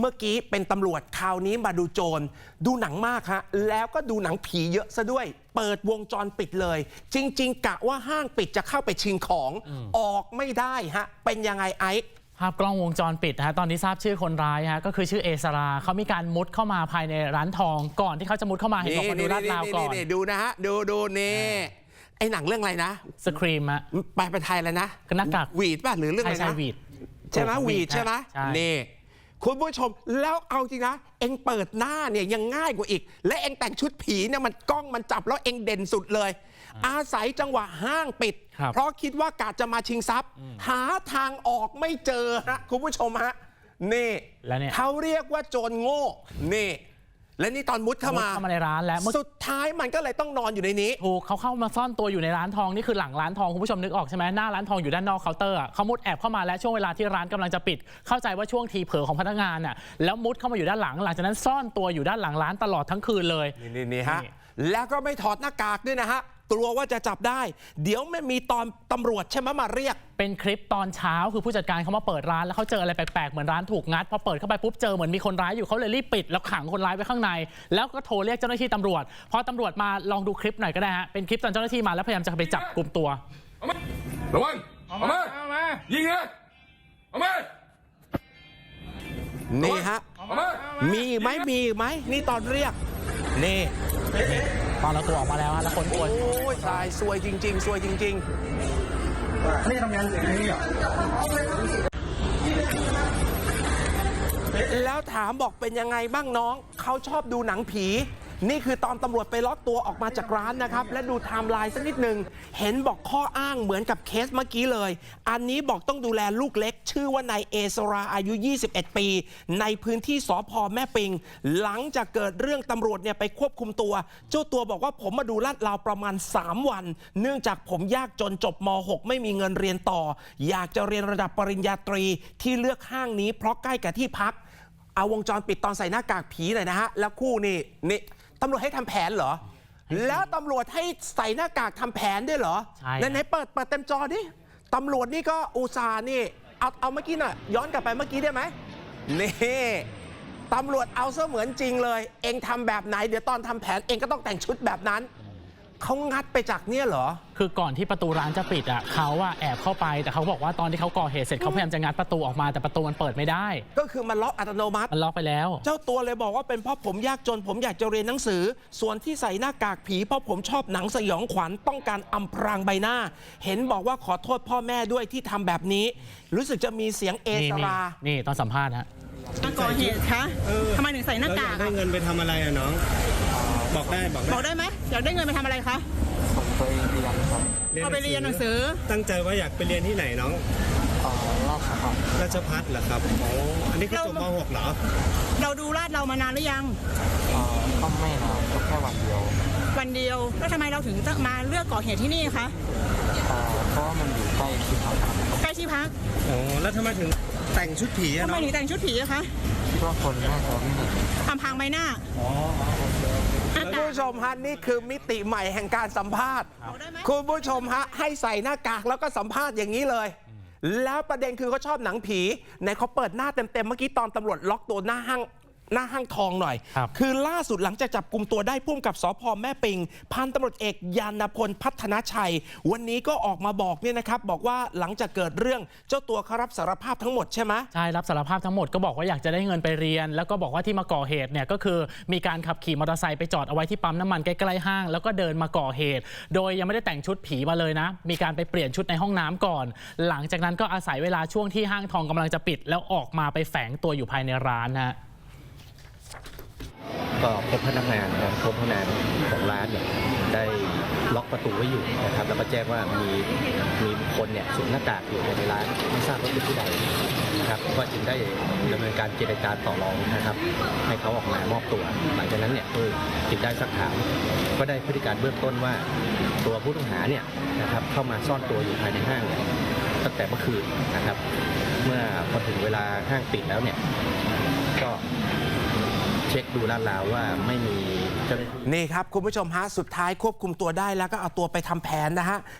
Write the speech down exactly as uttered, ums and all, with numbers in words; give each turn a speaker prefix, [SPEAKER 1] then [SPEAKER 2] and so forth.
[SPEAKER 1] เมื่อกี้เป็นตำรวจคราวนี้มาดูโจรดูหนังมากฮะแล้วก็ดูหนังผีเยอะซะด้วยเปิดวงจรปิดเลยจริงๆกะว่าห้างปิดจะเข้าไปชิงของออกไม่ได้ฮะเป็นยังไงไอ้
[SPEAKER 2] ภาพกล้องวงจรปิดฮะตอนนี้ทราบชื่อคนร้ายฮะก็คือชื่อเอสราเขามีการมุดเข้ามาภายในร้านทองก่อนที่เขาจะมุดเข้ามาเห็นบอกมาดูลาดราวก่อน
[SPEAKER 1] ดูนะฮะดูดูนี่ไอ้หนังเรื่องอะไรนะ
[SPEAKER 2] สครีมอะ
[SPEAKER 1] ไปไปไทยแล้วนะ
[SPEAKER 2] หน้ากาก
[SPEAKER 1] วีดป่ะหรือเรื่องอะไรนะ
[SPEAKER 2] วีด
[SPEAKER 1] ใช่ไหมวีดใช่ไหมนี่คุณผู้ชมแล้วเอาจริงนะเอ็งเปิดหน้าเนี่ยยังง่ายกว่าอีกและเอ็งแต่งชุดผีเนี่ยมันกล้องมันจับแล้วเอ็งเด่นสุดเลยอาศัยจังหวะห้างปิดเพราะคิดว่ากะจะมาชิงทรัพย์หาทางออกไม่เจอฮะคุณผู้ชมฮะนี่เขาเรียกว่าโจรโง่นี่และนี่ตอนมุดเข้ามา
[SPEAKER 2] เข้ามาในร้านแล้ว
[SPEAKER 1] สุดท้ายมันก็เลยต้องนอนอยู่ในนี้
[SPEAKER 2] ถูกเขาเข้ามาซ่อนตัวอยู่ในร้านทองนี่คือหลังร้านทองคุณผู้ชมนึกออกใช่ไหมหน้าร้านทองอยู่ด้านนอกเคาน์เตอร์เขามุดแอบเข้ามาแล้วช่วงเวลาที่ร้านกำลังจะปิดเข้าใจว่าช่วงทีเผลอของพนักงานน่ะแล้วมุดเข้ามาอยู่ด้านหลังหลังจากนั้นซ่อนตัวอยู่ด้านหลังร้านตลอดทั้งคืนเลย
[SPEAKER 1] นี่นี่ฮะแล้วก็ไม่ถอดหน้ากากด้วยนะฮะกลัวว่าจะจับได้เดี๋ยวไม่มีตอนตำรวจใช่ไหมมาเรียก
[SPEAKER 2] เป็นคลิปตอนเช้าคือผู้จัดการเขามาเปิดร้านแล้วเขาเจออะไรแปลกๆเหมือนร้านถูกงัดพอเปิดเข้าไปปุ๊บเจอเหมือนมีคนร้ายอยู่เขาเลยรีบปิดแล้วขังคนร้ายไว้ข้างในแล้วก็โทรเรียกเจ้าหน้าที่ตำรวจพอตำรวจมาลองดูคลิปหน่อยก็ได้ฮะเป็นคลิปตอนเจ้าหน้าที่มาแล้วพยายามจะไปจับกลุ่มตัว
[SPEAKER 3] ระวังเอามาเอามายิงเลยเอามา
[SPEAKER 1] นี่ฮะมีไหมมีไหมนี่ตอนเรียกนี่
[SPEAKER 2] ตอนเราตัวออกมาแล้วแล้วคนตัว
[SPEAKER 1] โอ้ยตายซวยจริงๆซวยจริงๆนี่ทำงานอย่างนี้เหรอแล้วถามบอกเป็นยังไงบ้างน้องเขาชอบดูหนังผีนี่คือตอนตำรวจไปล็อกตัวออกมาจากร้านนะครับและดูไทม์ไลน์สักนิดหนึ่งเห็นบอกข้ออ้างเหมือนกับเคสเมื่อกี้เลยอันนี้บอกต้องดูแลลูกเล็กชื่อว่านายเอสราอายุยี่สิบเอ็ดปีในพื้นที่สภ.แม่ปิงหลังจากเกิดเรื่องตำรวจเนี่ยไปควบคุมตัวเจ้าตัวบอกว่าผมมาดูลาดราวประมาณสามวันเนื่องจากผมยากจนจบม หกไม่มีเงินเรียนต่ออยากจะเรียนระดับปริญญาตรีที่เลือกห้างนี้เพราะใกล้กับที่พักเอาวงจรปิดตอนใส่หน้ากากผีหน่อยนะฮะแล้วคู่นี่นี่ตำรวจให้ทำแผนเหรอแล้วตำรวจให้ใส่หน้ากากทำแผนด้วยเหรอ
[SPEAKER 2] ใช่
[SPEAKER 1] ไหนๆเปิดเปิดเต็มจอดิตำรวจนี่ก็อุตส่าห์นี่เอาเอาเมื่อกี้หน่อยย้อนกลับไปเมื่อกี้ได้ไหมนี่ตำรวจเอาเสมือนจริงเลยเองทำแบบไหนเดี๋ยวตอนทำแผนเองก็ต้องแต่งชุดแบบนั้นเขางัดไปจากเนี่ยเหรอ
[SPEAKER 2] คือก่อนที่ประตูร้านจะปิดอ่ะเขาอะแอบเข้าไปแต่เขาบอกว่าตอนที่เขาก่อเหตุเสร็จเขาพยายามจะงัดประตูออกมาแต่ประตูมันเปิดไม่ได้
[SPEAKER 1] ก็คือมันล็อกอัตโนมัติ
[SPEAKER 2] มันล็อกไปแล้ว
[SPEAKER 1] เจ้าตัวเลยบอกว่าเป็นเพราะผมยากจนผมอยากจะเรียนหนังสือส่วนที่ใส่หน้ากากผีเพราะผมชอบหนังสยองขวัญต้องการอำพรางใบหน้าเห็นบอกว่าขอโทษพ่อแม่ด้วยที่ทำแบบนี้รู้สึกจะมีเสียงเอสรา
[SPEAKER 2] นี่ตอนสัมภาษณ์ฮะ
[SPEAKER 4] ก่อเหตุคะทำไมถึงใส่หน้ากาก
[SPEAKER 5] ได้เงินไปทำอะไรอะน้องบอกได้บอกได้
[SPEAKER 4] บอกได้ไหมอยากได้เงินไปทำอะไรคะ
[SPEAKER 6] ผมไปเรียนครับ
[SPEAKER 4] เอาไปเรียนหนังสือ
[SPEAKER 5] ตั้งใจว่าอยากไปเรียนที่ไหนน้อง
[SPEAKER 6] อ๋อราชภัฏ
[SPEAKER 5] ราชภัฏเหรอครับอ๋ออันนี้ก็จบม หกเหรอ
[SPEAKER 4] เราดูลาดเรามานานหรือยัง
[SPEAKER 6] อ๋อก็ไม่นานก็แค่วันเดียว
[SPEAKER 4] วันเดียวแล้วทำไมเราถึงจะมาเลือกก่อเหตุที่นี่คะ
[SPEAKER 6] อ๋อเพราะว่ามันอยู่ใกล้ที่พัก
[SPEAKER 4] ใกล้ที่พัก
[SPEAKER 5] อ๋อแล้วทำไมถึงแต่งชุดผีอะ
[SPEAKER 4] ทำไมถึงแต่งชุดผีอะคะ
[SPEAKER 6] เพราะคนน่าจะไม่เห็น
[SPEAKER 4] ทำพางใบหน้า
[SPEAKER 5] อ๋อ
[SPEAKER 1] คุณผู้ชมฮะนี่คือมิติใหม่แห่งการสัมภาษณ์คุณผู้ชมฮะให้ใส่หน้ากากแล้วก็สัมภาษณ์อย่างนี้เลยแล้วประเด็นคือเขาชอบหนังผีในเขาเปิดหน้าเต็มๆเมื่อกี้ตอนตำรวจล็อกตัวหน้าห้างหน้าห้างทองหน่อยคือล่าสุดหลังจากจับกลุ่มตัวได้พุ่มกับสภ.แม่ปิงพันตำรวจเอกยานพลพัฒนชัยวันนี้ก็ออกมาบอกเนี่ยนะครับบอกว่าหลังจากเกิดเรื่องเจ้าตัวเขารับสารภาพทั้งหมดใช่ไหม
[SPEAKER 2] ใช่รับสารภาพทั้งหมดก็บอกว่าอยากจะได้เงินไปเรียนแล้วก็บอกว่าที่มาก่อเหตุเนี่ยก็คือมีการขับขี่มอเตอร์ไซค์ไปจอดเอาไว้ที่ปั๊มน้ำมันใกล้ๆห้างแล้วก็เดินมาก่อเหตุโดยยังไม่ได้แต่งชุดผีมาเลยนะมีการไปเปลี่ยนชุดในห้องน้ำก่อนหลังจากนั้นก็อาศัยเวลาช่วงที่ห้างทองกำลังจะปิดแล้วออกมาไปแฝงตัวอยู่ภายในร้านนะ
[SPEAKER 7] ก็พบพนักงานนะพบพนักงานของร้านเนี่ยได้ล็อกประตูไว้อยู่นะครับแล้วก็แจ้งว่ามีมีบุคคลเนี่ยสวมหน้ากากอยู่ในร้านไม่ทราบว่าเป็นผู้ใดนะครับก็จึงได้ดำเนินการเจรจาต่อรองนะครับให้เขาออกมามอบตัวหลังจากนั้นเนี่ยจึงได้สักถามก็ได้พฤติการเบื้องต้นว่าตัวผู้ต้องหาเนี่ยนะครับเข้ามาซ่อนตัวอยู่ภายในห้างตั้งแต่เมื่อคืนนะครับเมื่อพอถึงเวลาห้างปิดแล้วเนี่ยก็เช็คดูลาดราวว่าไม่มี
[SPEAKER 1] นี่ครับคุณผู้ชมฮะสุดท้ายควบคุมตัวได้แล้วก็เอาตัวไปทำแผนนะฮะ